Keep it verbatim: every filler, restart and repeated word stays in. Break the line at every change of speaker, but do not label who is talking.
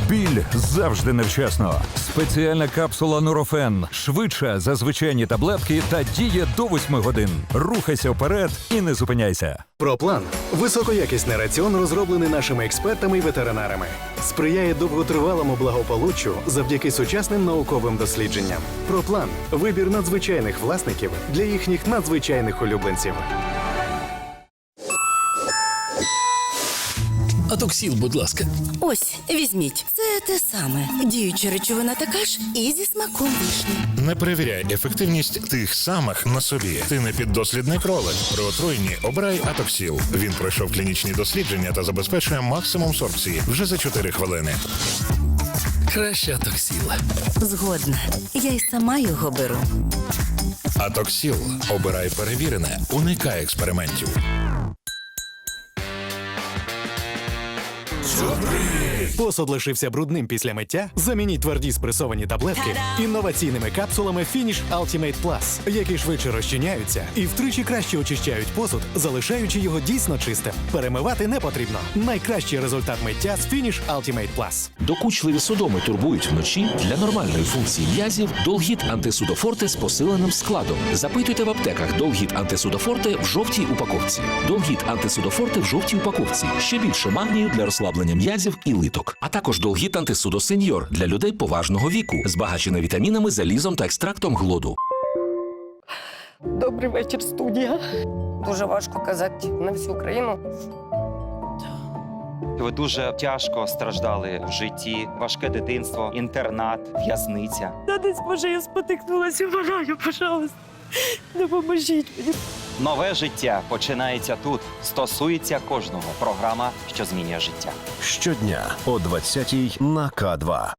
Біль завжди невчасно. Спеціальна капсула Нурофен швидша за звичайні таблетки та діє до восьми годин. Рухайся вперед і не зупиняйся.
Проплан – високоякісний раціон, розроблений нашими експертами і ветеринарами. Сприяє довготривалому благополуччю завдяки сучасним науковим дослідженням. Проплан – вибір надзвичайних власників для їхніх надзвичайних улюбленців.
Атоксіл, будь ласка.
Ось, візьміть. Це те саме. Діюча речовина така ж і зі смаком вишні.
Не перевіряй ефективність тих самих на собі. Ти не піддослідний кролик. При отруєнні обирай Атоксіл. Він пройшов клінічні дослідження та забезпечує максимум сорбції вже за чотири хвилини.
Краще Атоксіл.
Згодна. Я й сама його беру.
Атоксіл. Обирай перевірене. Уникай експериментів.
Посуд лишився брудним після миття? Замініть тверді спресовані таблетки інноваційними капсулами Finish Ultimate Plus, які швидше розчиняються і втричі краще очищають посуд, залишаючи його дійсно чистим. Перемивати не потрібно. Найкращий результат миття з Finish Ultimate Plus.
Докучливі судоми турбують вночі? Для нормальної функції м'язів Долгіт антисудофорте з посиленим складом. Запитуйте в аптеках Долгіт антисудофорте в жовтій упаковці. Долгіт антисудофорте в жовтій упаковці. Ще більше магнію для розслаблення м'язів і литок. А також Долгіт антисудо сеньор для людей поважного віку, збагачений вітамінами, залізом та екстрактом глоду.
Добрий вечір, студія. Дуже важко казати на всю Україну.
Ви дуже тяжко страждали в житті, важке дитинство, інтернат, в'язниця.
Та десь, може, я спотикнулася, вмираю, пожалуйста. Допоможіть мені.
Нове життя починається тут. Стосується кожного. Програма, що змінює життя.
Щодня о двадцятій на К два.